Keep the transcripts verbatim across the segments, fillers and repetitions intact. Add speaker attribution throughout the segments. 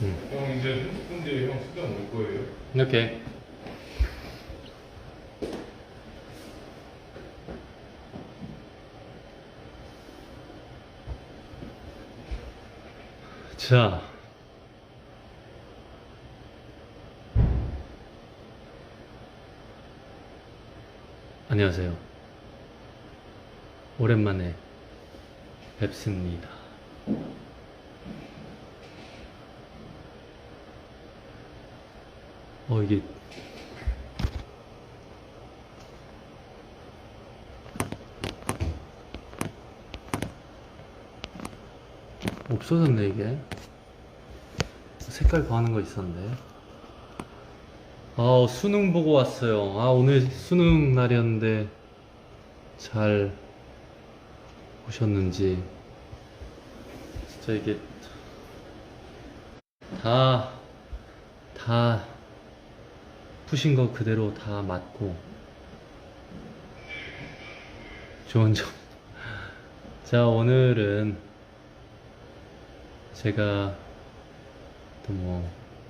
Speaker 1: 응.
Speaker 2: 형 이제 삼십 분 뒤에 형 수정 올 거예요.
Speaker 1: 이렇게. 자. 안녕하세요. 오랜만에 뵙습니다. 어, 이게 없어졌네. 이게 색깔 더하는 거 있었는데. 아, 수능 보고 왔어요. 아, 오늘 수능 날이었는데 잘 보셨는지. 진짜 이게 다, 다 푸신 거 그대로 다 맞고 좋은 점. 자, 오늘은 제가 또 뭐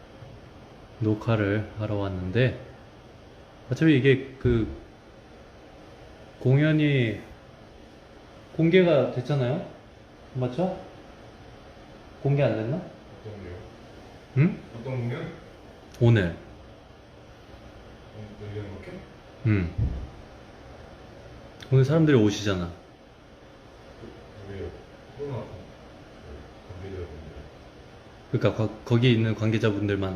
Speaker 1: 녹화를 하러 왔는데, 어차피 이게 그 공연이 공개가 됐잖아요? 맞죠? 공개 안 됐나?
Speaker 2: 어떤 거요?
Speaker 1: 응?
Speaker 2: 어떤 공연?
Speaker 1: 오늘.
Speaker 2: 어, 내년 밖에?
Speaker 1: 응. 오늘 사람들이 오시잖아.
Speaker 2: 왜요? 코로나 관계자분들.
Speaker 1: 그러니까 거, 거기 있는 관계자분들만.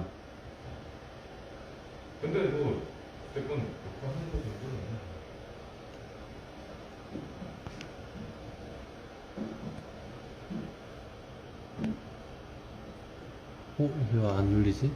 Speaker 2: 근데 뭐 어쨌건 녹화하는 거 정도는
Speaker 1: 어? 이거 안 눌리지?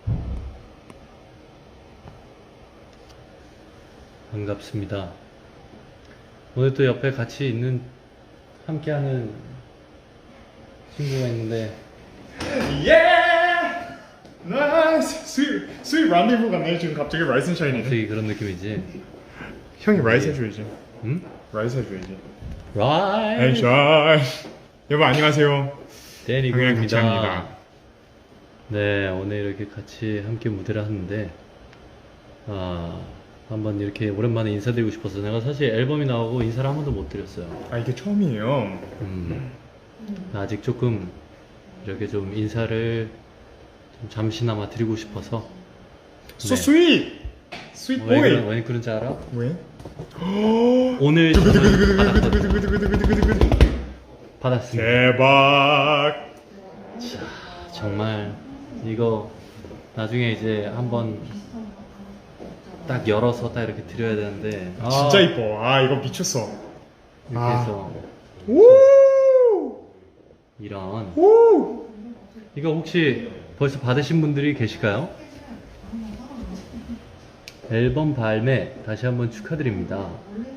Speaker 1: 반갑습니다. 오늘 또 옆에 같이 있는, 함께하는 친구가 있는데.
Speaker 3: 예! 나이스! 스윗, 스윗 란데부 같네. 지금 갑자기 라이스 샤이니네.
Speaker 1: 갑자기 그런 느낌이지?
Speaker 3: 형이 라이스 해줘야지.
Speaker 1: 응?
Speaker 3: 라이스 해줘야지.
Speaker 1: 라이!
Speaker 3: 에이 샤이. 여러분 안녕하세요.
Speaker 1: 데니
Speaker 3: 강현
Speaker 1: 구입니다.
Speaker 3: 강창입니다.
Speaker 1: 네, 오늘 이렇게 같이 함께 무대를 하는데, 아, 한번 이렇게 오랜만에 인사드리고 싶어서. 내가 사실 앨범이 나오고 인사를 한 번도 못 드렸어요.
Speaker 3: 아 이게 처음이에요.
Speaker 1: 음, 아직 조금 이렇게 좀 인사를 좀 잠시나마 드리고 싶어서.
Speaker 3: So
Speaker 1: 네.
Speaker 3: sweet! Sweet
Speaker 1: 왜,
Speaker 3: boy!
Speaker 1: 그런, 왜 그런지 알아?
Speaker 3: 왜?
Speaker 1: 오늘 저는 받았거든요.
Speaker 3: 두구두구두구두구두구두구두구두구.
Speaker 1: 받았습니다.
Speaker 3: 대박!
Speaker 1: 자, 정말 이거 나중에 이제 한번 딱 열어서 딱 이렇게 드려야 되는데. 아,
Speaker 3: 진짜 이뻐. 아 이거 미쳤어.
Speaker 1: 이렇게
Speaker 3: 아.
Speaker 1: 해서
Speaker 3: 우!
Speaker 1: 이런.
Speaker 3: 우!
Speaker 1: 이거 혹시 벌써 받으신 분들이 계실까요? 앨범 발매 다시 한번 축하드립니다.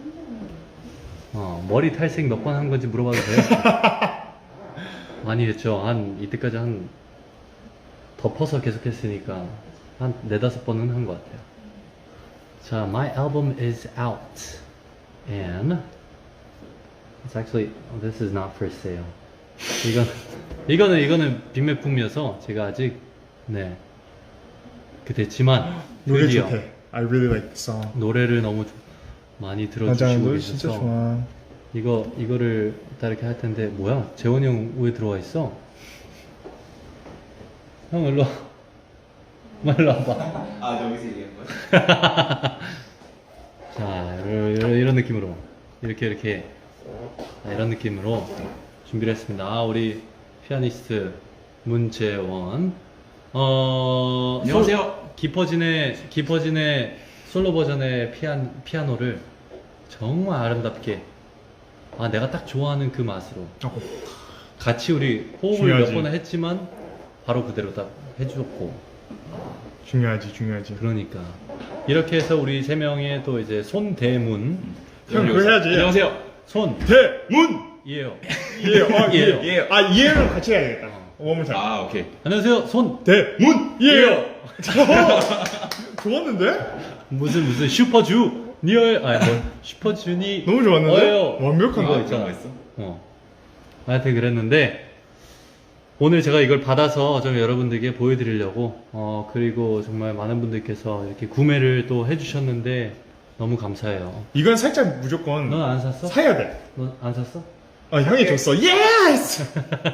Speaker 1: 어, 머리 탈색 몇 번 한 건지 물어봐도 돼요? 많이 했죠. 한 이때까지 한 덮어서 계속 했으니까 한 네다섯 번은 한 것 같아요. 자, my album is out and it's actually, this is not for sale. 이건 이거는 이거는 빅매품이어서 제가 아직 네 그랬지만
Speaker 3: 노래
Speaker 1: 드디어
Speaker 3: 좋대. I really like the song.
Speaker 1: 노래를 너무 좀 많이
Speaker 3: 맞아,
Speaker 1: 들어주시고
Speaker 3: 노래 진짜
Speaker 1: 계셔서
Speaker 3: 좋아.
Speaker 1: 이거 이거를 딱 이렇게 할 텐데. 뭐야? 재원이 형 왜 들어와 있어? 형 일로 와. 엄마 일로 와봐.
Speaker 4: 아 저기서 얘기한 거야?
Speaker 1: 자, 이런, 이런, 이런 느낌으로 이렇게 이렇게 자, 이런 느낌으로 준비를 했습니다. 아, 우리 피아니스트 문재원. 어,
Speaker 4: 안녕하세요.
Speaker 1: 솔- 깊어진의 깊어진의 솔로 버전의 피안, 피아노를 정말 아름답게, 아, 내가 딱 좋아하는 그 맛으로
Speaker 3: 어.
Speaker 1: 같이 우리 호흡을
Speaker 3: 중요하지.
Speaker 1: 몇 번 했지만 바로 그대로 딱 해주었고.
Speaker 3: 중요하지, 중요하지.
Speaker 1: 그러니까 이렇게 해서 우리 세 명의 또 이제 손대문.
Speaker 3: 형 그거 해야지.
Speaker 4: 안녕하세요.
Speaker 1: 손
Speaker 3: 대문!
Speaker 1: 이에요.
Speaker 3: 예, 어,
Speaker 1: 예요.
Speaker 3: 예, 예. 아, 이해를 같이 해야겠다. 원물 잘.
Speaker 4: 아 오케이.
Speaker 1: 안녕하세요. 손.
Speaker 3: 대문! 예! 좋았는데?
Speaker 1: 무슨 무슨 슈퍼주 니얼, 아니 뭐 슈퍼주니.
Speaker 3: 너무 좋았는데?
Speaker 1: 어예요.
Speaker 3: 완벽한
Speaker 1: 이거
Speaker 3: 거.
Speaker 1: 있잖아.
Speaker 4: 그런 거 있어?
Speaker 1: 어. 하여튼 그랬는데 오늘 제가 이걸 받아서 좀 여러분들께 보여드리려고 어 그리고 정말 많은 분들께서 이렇게 구매를 또 해주셨는데 너무 감사해요.
Speaker 3: 이건 살짝 무조건
Speaker 1: 넌 안 샀어?
Speaker 3: 사야 돼.
Speaker 1: 너 안 샀어?
Speaker 3: 아, 형이 줬어. 예스!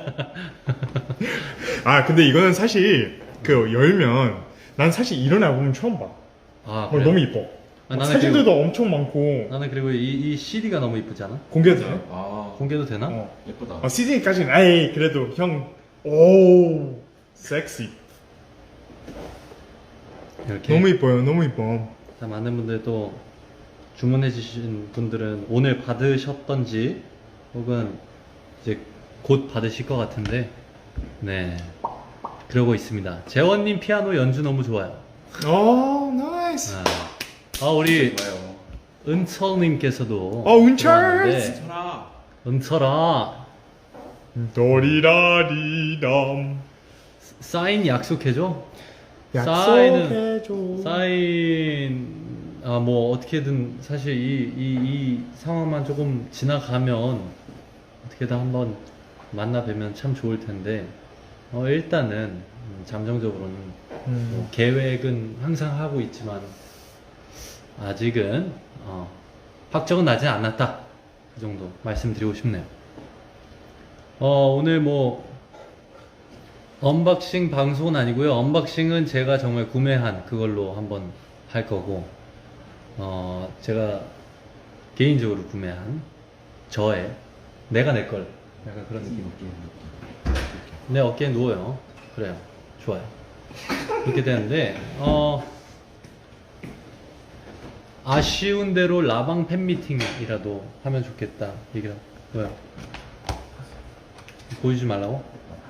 Speaker 3: 아, 근데 이거는 사실 그 열면 난 사실 이런 앨범 처음 봐.
Speaker 1: 아
Speaker 3: 어,
Speaker 1: 그래?
Speaker 3: 너무 이뻐.
Speaker 1: 아, 나는
Speaker 3: 사진들도 엄청 많고
Speaker 1: 나는 그리고 이, 이 씨디가 너무 이쁘지 않아?
Speaker 3: 공개도 돼?
Speaker 2: 아,
Speaker 1: 공개도 되나?
Speaker 3: 어.
Speaker 2: 예쁘다.
Speaker 3: 어, 씨디까지는 아이 그래도 형 오, 섹시.
Speaker 1: 이렇게
Speaker 3: 너무 이뻐요. 너무 이뻐.
Speaker 1: 자, 많은 분들 또 주문해 주신 분들은 오늘 받으셨던지 혹은 이제 곧 받으실 것 같은데 네 그러고 있습니다. 재원님 피아노 연주 너무 좋아요.
Speaker 3: 오, 나이스.
Speaker 1: 아, 아, 우리
Speaker 4: 좋아요.
Speaker 1: 은철님께서도
Speaker 3: 어, 은철!
Speaker 1: 들어왔는데,
Speaker 4: 철아.
Speaker 1: 은철아
Speaker 3: 도리라리담.
Speaker 1: 사인 약속해줘.
Speaker 3: 약속해줘.
Speaker 1: 사인 아 뭐 어떻게든 사실 이, 이, 이 상황만 조금 지나가면 어떻게든 한번 만나 뵈면 참 좋을 텐데 어 일단은 음, 잠정적으로는
Speaker 3: 음.
Speaker 1: 뭐 계획은 항상 하고 있지만 아직은 어, 확정은 나지 않았다 그 정도 말씀드리고 싶네요. 어 오늘 뭐 언박싱 방송은 아니고요. 언박싱은 제가 정말 구매한 그걸로 한번 할 거고 어 제가 개인적으로 구매한 저의 내가 내 걸 약간 그런 느낌. 내 어깨에 누워요. 그래요. 좋아요. 그렇게 되는데 어 아쉬운 대로 라방 팬미팅이라도 하면 좋겠다 얘기를 왜요? 보여주지 말라고?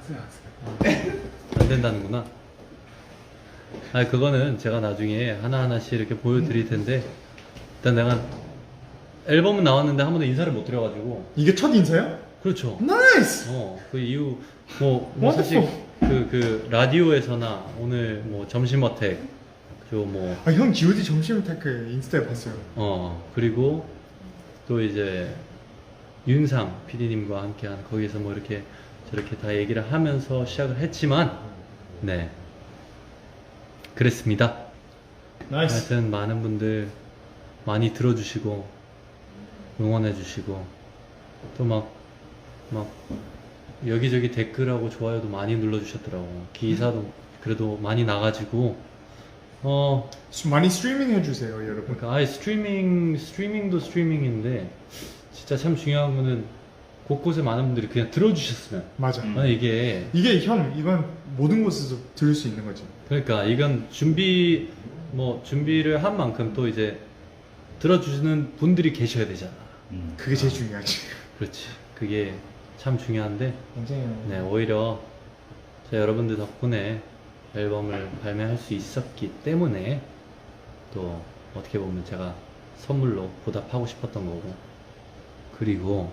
Speaker 1: 안 된다는구나. 아 그거는 제가 나중에 하나하나씩 이렇게 보여드릴 텐데 일단 내가 앨범은 나왔는데 한 번도 인사를 못 드려가지고
Speaker 3: 이게 첫 인사야?
Speaker 1: 그렇죠.
Speaker 3: 나이스.
Speaker 1: 어 그 이후 뭐, 뭐 사실 그, 그 라디오에서나 오늘 뭐 점심 어택 그뭐
Speaker 3: 아, 형 지오디 점심 테크 인스타에 봤어요.
Speaker 1: 어 그리고 또 이제 윤상 피디님과 함께한 거기서 뭐 이렇게 저렇게 다 얘기를 하면서 시작을 했지만 네 그랬습니다.
Speaker 3: 나이스.
Speaker 1: 하여튼 많은 분들 많이 들어주시고 응원해주시고 또 막 막 여기저기 댓글하고 좋아요도 많이 눌러주셨더라고. 기사도 그래도 많이 나가지고 어
Speaker 3: 수- 많이 스트리밍 해주세요, 여러분.
Speaker 1: 그러니까 아예 스트리밍 스트리밍도 스트리밍인데 진짜 참 중요한 거는 곳곳에 많은 분들이 그냥 들어주셨으면
Speaker 3: 맞아.
Speaker 4: 음.
Speaker 1: 아 이게
Speaker 3: 이게 형 이건 모든 곳에서 들을 수 있는 거지.
Speaker 1: 그러니까 이건 준비 뭐 준비를 한 만큼 또 이제 들어주시는 분들이 계셔야 되잖아.
Speaker 4: 음.
Speaker 3: 그게 제일 중요하지.
Speaker 1: 그렇지. 그게 참 중요한데
Speaker 3: 맞아요.
Speaker 1: 네 오히려 저 여러분들 덕분에 앨범을 발매할 수 있었기 때문에 또 어떻게 보면 제가 선물로 보답하고 싶었던 거고 그리고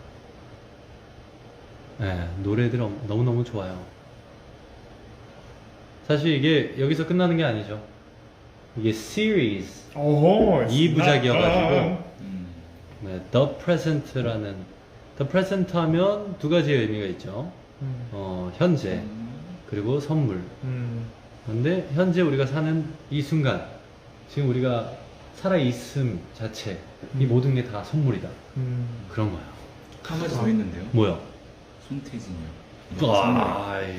Speaker 1: 네, 노래들 엄- 너무너무 좋아요. 사실 이게 여기서 끝나는 게 아니죠. 이게 시리즈
Speaker 3: 오호.
Speaker 1: 이 부작이어가지고
Speaker 4: 음.
Speaker 1: 네, The Present라는 The Present 하면 두 가지의 의미가 있죠.
Speaker 3: 음.
Speaker 1: 어, 현재 그리고 선물.
Speaker 3: 음.
Speaker 1: 근데 현재 우리가 사는 이 순간 지금 우리가 살아 있음 자체 이
Speaker 3: 음.
Speaker 1: 모든 게 다 선물이다.
Speaker 3: 음.
Speaker 1: 그런 거야.
Speaker 4: 한 가지 더 있는데요.
Speaker 1: 뭐야?
Speaker 4: 손태진이요.
Speaker 1: 와, 아이.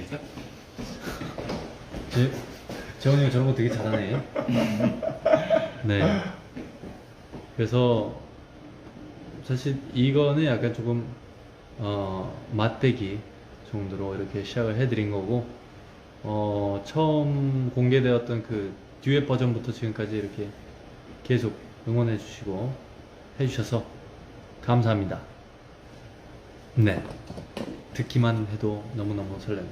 Speaker 1: 제, 재원이 형 저런 거 되게 잘하네. 네. 그래서 사실 이거는 약간 조금 어, 맞대기 정도로 이렇게 시작을 해드린 거고 어, 처음 공개되었던 그 듀엣 버전부터 지금까지 이렇게 계속 응원해 주시고 해주셔서 감사합니다. 네. 듣기만 해도 너무너무 설레네요.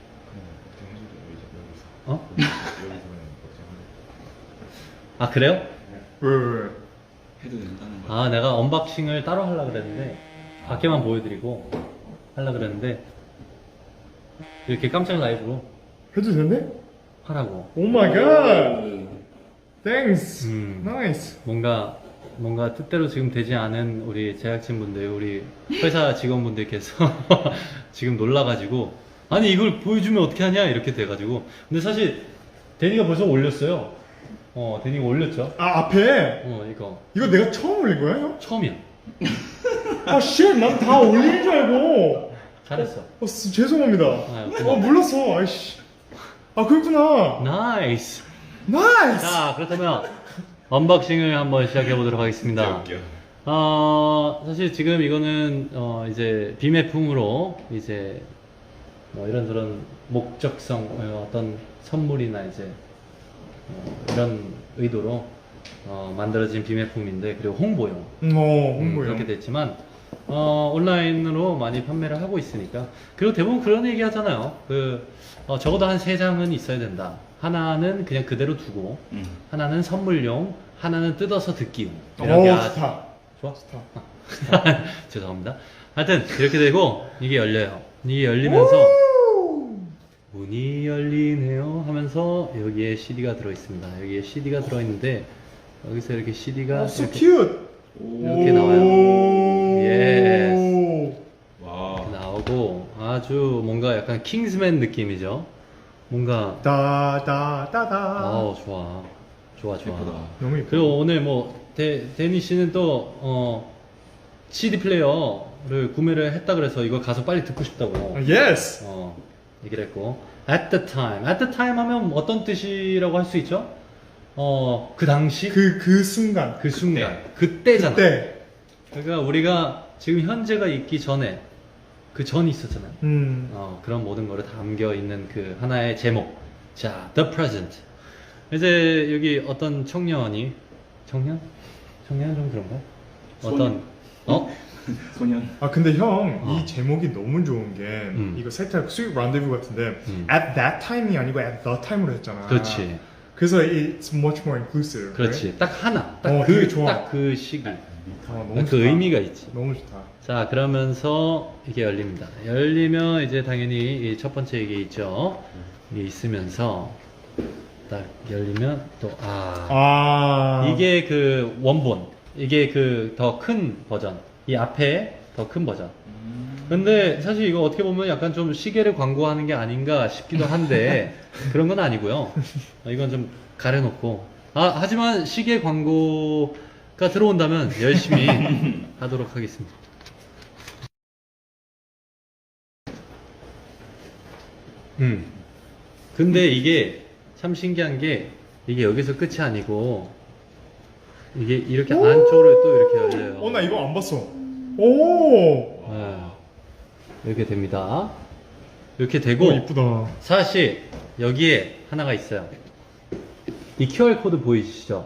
Speaker 1: 어? 아 그래요?
Speaker 3: 왜, 왜, 왜?
Speaker 4: 해도 된다는 거.
Speaker 1: 아 내가 언박싱을 따로 하려고 그랬는데 밖에만 보여드리고 하려고 그랬는데 이렇게 깜짝 라이브로
Speaker 3: 해도 된대?
Speaker 1: 하라고.
Speaker 3: 오 마이 갓. 땡스.
Speaker 1: 음.
Speaker 3: 나이스.
Speaker 1: 뭔가 뭔가 뜻대로 지금 되지 않은 우리 제작진분들 우리 회사 직원분들께서 지금 놀라가지고 아니 이걸 보여주면 어떻게 하냐 이렇게 돼가지고. 근데 사실 데니가 벌써 올렸어요. 어 데니가 올렸죠.
Speaker 3: 아 앞에
Speaker 1: 어 이거
Speaker 3: 이거 내가 처음 올린 거야 형?
Speaker 1: 처음이야.
Speaker 3: 아 쉣, 난 다 올린 줄 알고.
Speaker 1: 잘했어.
Speaker 3: 어, 스- 죄송합니다.
Speaker 1: 아유,
Speaker 3: 어
Speaker 1: 고마워.
Speaker 3: 몰랐어. 아이씨. 아 그렇구나.
Speaker 1: 나이스.
Speaker 3: 나이스.
Speaker 1: 자 그렇다면 언박싱을 한번 시작해 보도록 하겠습니다.
Speaker 2: 웃겨.
Speaker 1: 어 사실 지금 이거는 어 이제 비매품으로 이제 뭐 이런저런 목적성 어, 어떤 선물이나 이제 어, 이런 의도로 어, 만들어진 비매품인데 그리고 홍보용
Speaker 3: 음, 어,
Speaker 1: 음,
Speaker 3: 홍보요.
Speaker 1: 그렇게 됐지만 어, 온라인으로 많이 판매를 하고 있으니까. 그리고 대부분 그런 얘기 하잖아요. 그 어, 적어도 한 세 장은 있어야 된다. 하나는 그냥 그대로 두고
Speaker 4: 음.
Speaker 1: 하나는 선물용, 하나는 뜯어서 듣기용.
Speaker 3: 오,
Speaker 1: 이렇게 하-
Speaker 3: 좋다.
Speaker 1: 좋아?
Speaker 3: 좋다.
Speaker 1: 죄송합니다. 하여튼 이렇게 되고 이게 열려요. 이게 열리면서 문이 열리네요 하면서 여기에 씨디가 들어있습니다. 여기에 씨디가 들어있는데 여기서 이렇게 씨디가
Speaker 3: 어, so
Speaker 1: 이렇게,
Speaker 3: cute.
Speaker 1: 이렇게 나와요. 예스.
Speaker 4: 와.
Speaker 1: 이렇게 나오고 아주 뭔가 약간 킹스맨 느낌이죠. 뭔가
Speaker 3: 다다다다.
Speaker 1: 아우 좋아 좋아 좋아.
Speaker 4: 예쁘다.
Speaker 3: 너무 예뻐.
Speaker 1: 그리고 오늘 뭐 데, 데니 씨는 또 어, 씨디 플레이어를 구매를 했다 그래서 이거 가서 빨리 듣고 싶다고
Speaker 3: 아, yes.
Speaker 1: 어, 얘기를 했고 at the time, at the time 하면 어떤 뜻이라고 할 수 있죠? 어, 그 당시 그,
Speaker 3: 그 그 순간.
Speaker 1: 순간 그때잖아.
Speaker 3: 그때.
Speaker 1: 그러니까 우리가 지금 현재가 있기 전에 그 전이 있었잖아요.
Speaker 3: 음.
Speaker 1: 어, 그런 모든 거를 담겨 있는 그 하나의 제목. 자, the present. 이제 여기 어떤 청년이 청년? 청년 좀 그런가? 어떤 어?
Speaker 4: 소년.
Speaker 3: 아 근데 형 이
Speaker 1: 어.
Speaker 3: 제목이 너무 좋은 게
Speaker 1: 음.
Speaker 3: 이거 살짝 스윗 란데부 같은데
Speaker 1: 음.
Speaker 3: at that time이 아니고 at the time으로 했잖아.
Speaker 1: 그렇지.
Speaker 3: 그래서 it's much more inclusive.
Speaker 1: 그렇지. 딱 하나.
Speaker 3: 어,
Speaker 1: 딱
Speaker 3: 되게
Speaker 1: 그
Speaker 3: 좋아.
Speaker 1: 딱 그 시기.
Speaker 3: right? 아, 너무
Speaker 1: 그
Speaker 3: 좋다.
Speaker 1: 의미가 있지.
Speaker 3: 너무 좋다.
Speaker 1: 자, 그러면서 이게 열립니다. 열리면 이제 당연히 이 첫 번째 이게 있죠. 이게 있으면서 딱 열리면 또 아,
Speaker 3: 아
Speaker 1: 이게 그 원본, 이게 그 더 큰 버전, 이 앞에 더 큰 버전. 근데 사실 이거 어떻게 보면 약간 좀 시계를 광고하는 게 아닌가 싶기도 한데 그런 건 아니고요. 어, 이건 좀 가려놓고. 아, 하지만 시계 광고가 들어온다면 열심히 하도록 하겠습니다. 음. 근데 이게 참 신기한 게 이게 여기서 끝이 아니고 이게 이렇게 안쪽으로 또 이렇게 열려요.
Speaker 3: 어 나 이거 안 봤어. 오.
Speaker 1: 네. 이렇게 됩니다. 이렇게 되고
Speaker 3: 오 이쁘다.
Speaker 1: 사실 여기에 하나가 있어요. 이 큐알 코드 보이시죠?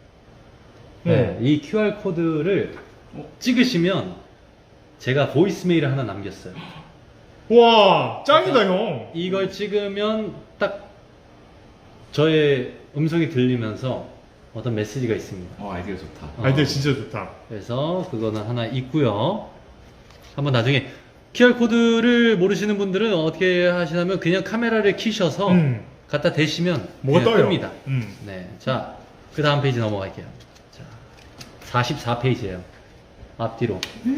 Speaker 1: 네,
Speaker 3: 음.
Speaker 1: 이 큐알 코드를 찍으시면 제가 보이스메일을 하나 남겼어요.
Speaker 3: 와 짱이다 형.
Speaker 1: 이걸 찍으면 딱 저의 음성이 들리면서 어떤 메시지가 있습니다.
Speaker 4: 어 아이디어 좋다.
Speaker 1: 어.
Speaker 3: 아이디어 진짜 좋다.
Speaker 1: 그래서 그거는 하나 있고요. 한번 나중에 큐알 코드를 모르시는 분들은 어떻게 하시냐면 그냥 카메라를 켜셔서
Speaker 3: 음.
Speaker 1: 갖다 대시면
Speaker 3: 뭐가
Speaker 1: 그냥
Speaker 3: 떠요?
Speaker 1: 뜹니다.
Speaker 3: 음.
Speaker 1: 네, 자, 그 다음 페이지 넘어갈게요. 자, 사십사 페이지예요. 앞뒤로.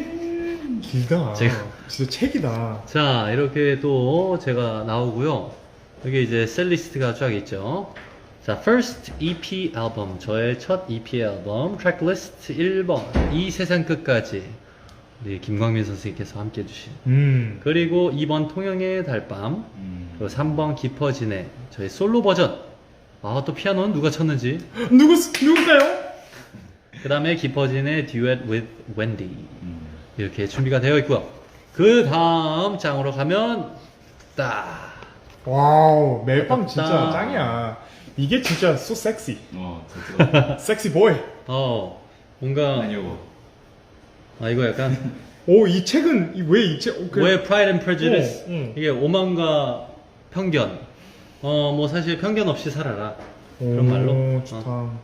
Speaker 3: 길다.
Speaker 1: 제가-
Speaker 3: 진짜 책이다.
Speaker 1: 자, 이렇게 또 제가 나오고요. 여기 이제 셀리스트가 쫙 있죠. 자, first 이피 앨범, 저의 첫 이피 앨범, 트랙리스트 일 번, 이 세상 끝까지 우리 김광민 선생님께서 함께 해주신.
Speaker 3: 음.
Speaker 1: 그리고 이 번 통영의 달밤,
Speaker 4: 음.
Speaker 1: 그리고 삼 번 깊어지네, 저의 솔로 버전. 아, 또 피아노는 누가 쳤는지.
Speaker 3: 누구 누굴까요?
Speaker 1: 그 다음에 깊어지네 듀엣 with Wendy.
Speaker 4: 음.
Speaker 1: 이렇게 준비가 되어 있고요. 그 다음 장으로 가면 딱
Speaker 3: 와우 멜빵 진짜
Speaker 1: 아깝다.
Speaker 3: 짱이야. 이게 진짜 so sexy.
Speaker 4: 어 진짜.
Speaker 3: 섹시 보이.
Speaker 1: 어, 뭔가
Speaker 4: 아니요.
Speaker 1: 아 이거 약간
Speaker 3: 오 이 책은 왜 이 책? 어, 그-
Speaker 1: 왜 Pride and Prejudice?
Speaker 3: 어, 응.
Speaker 1: 이게 오만과 편견. 어, 뭐 사실 편견 없이 살아라. 그런
Speaker 3: 오,
Speaker 1: 말로.
Speaker 3: 좋다.
Speaker 1: 어.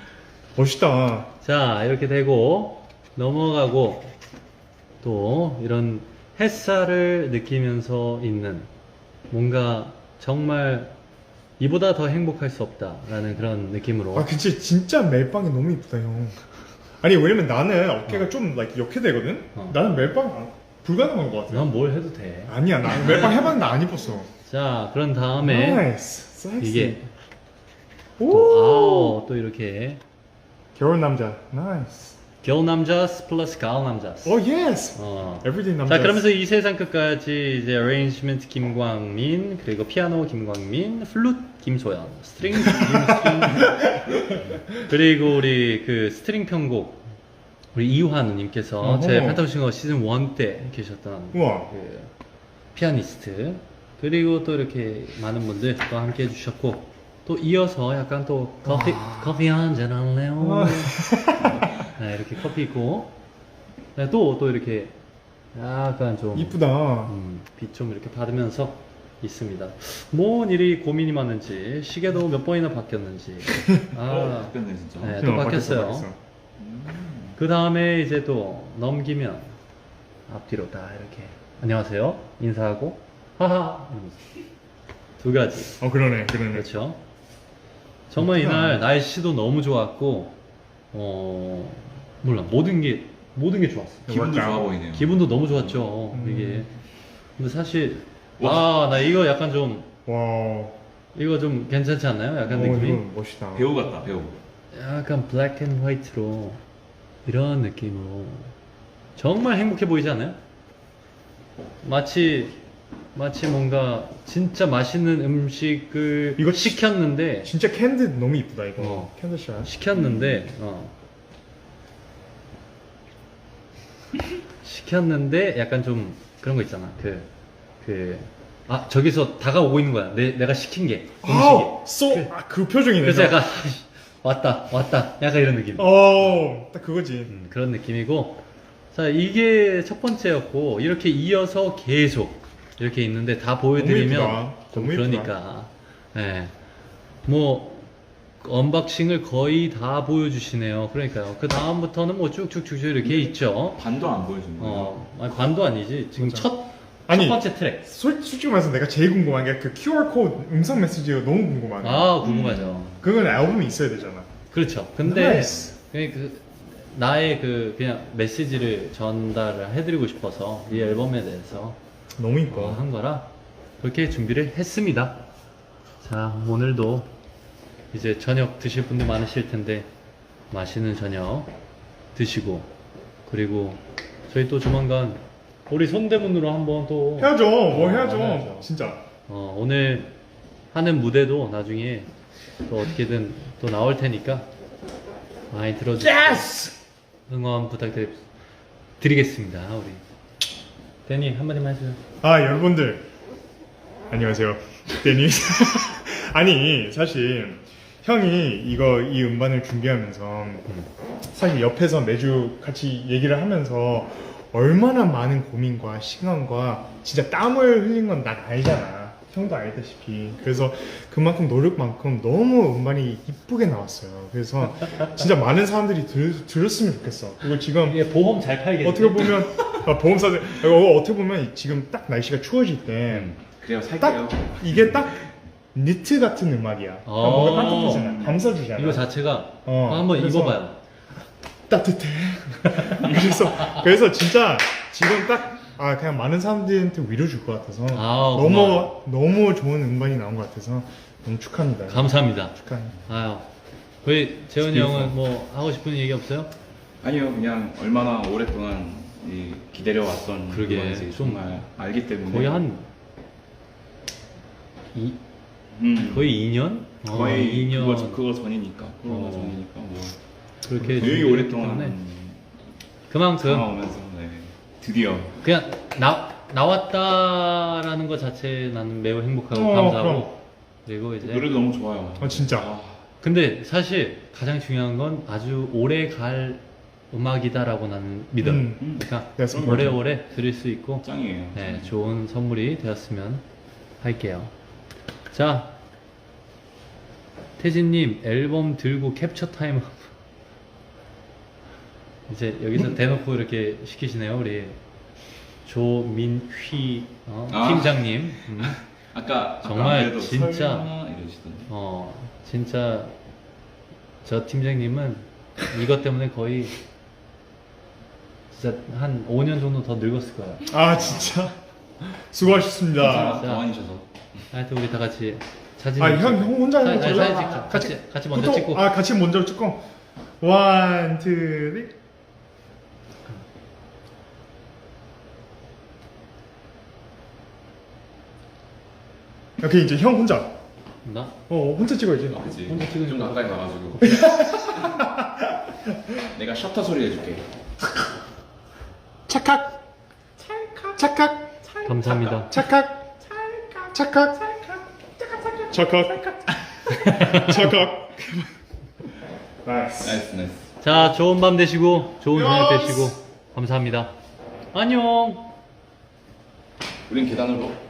Speaker 3: 멋있다.
Speaker 1: 자, 이렇게 되고 넘어가고 또 이런 햇살을 느끼면서 있는 뭔가 정말 이보다 더 행복할 수 없다라는 그런 느낌으로.
Speaker 3: 아 그치 진짜 멜빵이 너무 이쁘다 형. 아니 왜냐면 나는 어깨가 좀 like, 이렇게 되거든.
Speaker 1: 어.
Speaker 3: 나는 멜빵 안, 불가능한 것 같아.
Speaker 1: 난 뭘 해도 돼.
Speaker 3: 아니야, 나 몇 번 해봤는데 안 입었어.
Speaker 1: 자, 그런 다음에
Speaker 3: 나이스, 섹시.
Speaker 1: 이게 또,
Speaker 3: 오,
Speaker 1: 아우, 또 이렇게
Speaker 3: 겨울 남자, 나이스.
Speaker 1: 겨울 남자 플러스 가을 남자.
Speaker 3: 오, 예스.
Speaker 1: 어.
Speaker 3: Everyday 남자.
Speaker 1: 자, 그러면서 이 세상 끝까지 이제 어레인지먼트 김광민, 그리고 피아노 김광민, 플룻 김소연, 스트링 김스트링, 그리고 우리 그 스트링 편곡 우리 이환우님께서
Speaker 3: 어허.
Speaker 1: 제 펜타곤 시즌 일 때 계셨던
Speaker 3: 우와.
Speaker 1: 그 피아니스트, 그리고 또 이렇게 많은 분들 또 함께 해주셨고, 또 이어서 약간 또 커피 커피 한잔 할래요?
Speaker 3: 와.
Speaker 1: 네, 이렇게 커피 있고, 네, 또, 또 이렇게 약간 좀
Speaker 3: 이쁘다.
Speaker 1: 음, 빛 좀 이렇게 받으면서 있습니다. 뭔 일이 고민이 많은지, 시계도 몇 번이나 바뀌었는지.
Speaker 4: 어,
Speaker 1: 아,
Speaker 4: 바뀌었네 진짜.
Speaker 1: 네,
Speaker 3: 어,
Speaker 1: 또
Speaker 3: 바뀌었어,
Speaker 1: 바뀌었어요.
Speaker 3: 바뀌었어.
Speaker 1: 그 다음에 이제 또 넘기면 앞뒤로 다 이렇게 안녕하세요 인사하고 하하 이러면서 두 가지.
Speaker 3: 어, 그러네, 그러네.
Speaker 1: 그렇죠. 정말
Speaker 3: 그렇구나.
Speaker 1: 이날 날씨도 너무 좋았고, 어 몰라 모든 게 모든 게 좋았어.
Speaker 4: 기분도
Speaker 3: 맞다.
Speaker 4: 좋아 보이네요.
Speaker 1: 기분도 너무 좋았죠.
Speaker 3: 음.
Speaker 1: 이게 근데 사실 와 나 이거 약간 좀
Speaker 3: 와.
Speaker 1: 이거 좀 괜찮지 않나요? 약간
Speaker 3: 어,
Speaker 1: 느낌이
Speaker 3: 이거 멋있다.
Speaker 4: 배우 같다 배우.
Speaker 1: 약간 블랙 앤 화이트로 이런 느낌으로 정말 행복해 보이지 않아요? 마치 마치 뭔가 진짜 맛있는 음식을
Speaker 3: 이거
Speaker 1: 시켰는데
Speaker 3: 진짜 캔디 너무 이쁘다 이거.
Speaker 1: 어.
Speaker 3: 캔디샷.
Speaker 1: 시켰는데 어. 시켰는데 약간 좀 그런 거 있잖아. 그 그 아 저기서 다가오고 있는 거야. 내 내가 시킨 게 음식이.
Speaker 3: 아우, 쏘. 아, 그 표정이네.
Speaker 1: 그래서 약간 왔다 왔다 약간 이런 느낌.
Speaker 3: 어, 딱 그거지.
Speaker 1: 음, 그런 느낌이고, 자 이게 첫 번째였고 이렇게 이어서 계속 이렇게 있는데 다 보여드리면
Speaker 3: 너무 예쁘다.
Speaker 1: 좀
Speaker 3: 너무
Speaker 1: 그러니까 예. 뭐 언박싱을 거의 다 보여주시네요. 그러니까요. 그 다음부터는 뭐 쭉쭉쭉 이렇게 있죠.
Speaker 4: 반도 안 보여준 거예요.
Speaker 1: 어 아니, 반도 아니지. 지금
Speaker 3: 맞아.
Speaker 1: 첫,
Speaker 3: 아니,
Speaker 1: 첫 번째 트랙.
Speaker 3: 솔, 솔직히 말해서 내가 제일 궁금한 게 그 큐알 코드 음성 메시지가 너무 궁금하네.
Speaker 1: 아 궁금하죠.
Speaker 3: 그건 앨범이 있어야 되잖아.
Speaker 1: 그렇죠. 근데
Speaker 3: 나이스.
Speaker 1: 그냥 그 나의 그 그냥 메시지를 전달을 해드리고 싶어서 이 앨범에 대해서
Speaker 3: 너무
Speaker 1: 어,
Speaker 3: 이뻐.
Speaker 1: 한 거라 그렇게 준비를 했습니다. 자, 오늘도 이제 저녁 드실 분들 많으실 텐데 맛있는 저녁 드시고, 그리고 저희 또 조만간 우리 손대문으로 한번 또
Speaker 3: 해야죠. 뭐
Speaker 1: 어,
Speaker 3: 해야죠.
Speaker 1: 해야죠.
Speaker 3: 진짜.
Speaker 1: 어, 오늘 하는 무대도 나중에 또 어떻게든 또 나올 테니까 많이 들어주세요.
Speaker 3: 예스!
Speaker 1: 응원 부탁드리겠습니다. 우리 데니 한마디만 해줘요.
Speaker 3: 아, 여러분들. 안녕하세요. 데니. 아니, 사실 형이 이거 이 음반을 준비하면서 사실 옆에서 매주 같이 얘기를 하면서 얼마나 많은 고민과 시간과 진짜 땀을 흘린 건 난 알잖아. 형도 알다시피. 그래서 그만큼 노력만큼 너무 음반이 이쁘게 나왔어요. 그래서 진짜 많은 사람들이 들, 들었으면 좋겠어. 그리고 지금
Speaker 1: 이게 보험 잘 팔겠지?
Speaker 3: 어떻게 보면 아, 보험사들 어, 어떻게 보면 지금 딱 날씨가 추워질 때
Speaker 4: 그래요
Speaker 3: 딱
Speaker 4: 살게요.
Speaker 3: 이게 딱 니트 같은 음악이야.
Speaker 1: 어.
Speaker 3: 뭔가 따뜻하잖아. 감싸주잖아.
Speaker 1: 이거 자체가
Speaker 3: 어,
Speaker 1: 한번
Speaker 3: 그래서
Speaker 1: 입어봐요.
Speaker 3: 따뜻해. 그래서 그래서 진짜 지금 딱 아 그냥 많은 사람들한테 위로 줄 것 같아서
Speaker 1: 아우,
Speaker 3: 너무
Speaker 1: 고마워요.
Speaker 3: 너무 좋은 음반이 나온 것 같아서 너무 축하합니다.
Speaker 1: 감사합니다.
Speaker 3: 축하합니다.
Speaker 1: 아유, 우리 재훈이 형은 뭐 하고 싶은 얘기 없어요?
Speaker 4: 아니요 그냥 얼마나 오랫동안 이 기다려왔던
Speaker 1: 그러게,
Speaker 4: 음악인지
Speaker 1: 좀
Speaker 4: 정말 알기 때문에
Speaker 1: 거의 한 이,
Speaker 4: 음,
Speaker 1: 거의 이 년? 어,
Speaker 4: 거의
Speaker 1: 이 년
Speaker 4: 그거, 그거 전이니까 코로나
Speaker 1: 어.
Speaker 4: 전이니까 뭐
Speaker 1: 그렇게
Speaker 4: 되게
Speaker 1: 준비했기
Speaker 4: 오랫동안
Speaker 1: 때문에 그만큼
Speaker 4: 참아오면서 네, 드디어
Speaker 1: 그냥 나 나왔다라는 것 자체 나는 매우 행복하고
Speaker 3: 어,
Speaker 1: 감사하고
Speaker 3: 그럼.
Speaker 1: 그리고 이제
Speaker 4: 노래도 너무 좋아요.
Speaker 3: 아, 진짜.
Speaker 4: 아,
Speaker 1: 근데 사실 가장 중요한 건 아주 오래 갈 음악이다라고 나는 믿어.
Speaker 3: 음.
Speaker 4: 음,
Speaker 1: 그러니까
Speaker 3: That's important.
Speaker 1: 오래오래 들을 수 있고
Speaker 4: 짱이에요.
Speaker 1: 네, 좋은 선물이 되었으면 할게요. 자, 태진님 앨범 들고 캡처 타임 이제 여기서 대놓고 이렇게 시키시네요. 우리 조민휘 어,
Speaker 4: 아.
Speaker 1: 팀장님. 음.
Speaker 4: 아까
Speaker 1: 정말
Speaker 4: 아까 안 그래도
Speaker 1: 진짜-
Speaker 4: 설마 이러시던데.
Speaker 1: 어, 진짜 저 팀장님은 이것 때문에 거의 진짜 한 오 년 정도 더 늙었을 거야.
Speaker 3: 아 진짜 수고하셨습니다.
Speaker 4: 더 많으셔서.
Speaker 1: 하여튼 우리 다 같이 사진.
Speaker 3: 아 형 형 혼자 하는 거
Speaker 1: 사진,
Speaker 3: 골라.
Speaker 1: 사진 찍자. 같이 같이 먼저
Speaker 3: 보통-
Speaker 1: 찍고.
Speaker 3: 아 같이 먼저 찍고. 원, 투, 쓰리. 오케이 이제 형 혼자.
Speaker 1: 나
Speaker 3: 어 혼자 찍어야지.
Speaker 4: 그치.
Speaker 1: 혼자 찍으니까.
Speaker 4: 좀 가까이 가가지고. 내가 셔터 소리 해줄게.
Speaker 3: 착각. 착각.
Speaker 1: 감사합니다.
Speaker 3: 착각. 착각. 착각. 착각. 나이스.
Speaker 4: 나이스 나이스.
Speaker 1: 자, 좋은 밤 되시고 좋은 저녁
Speaker 3: 야스.
Speaker 1: 되시고 감사합니다. 안녕.
Speaker 4: 우린 계단으로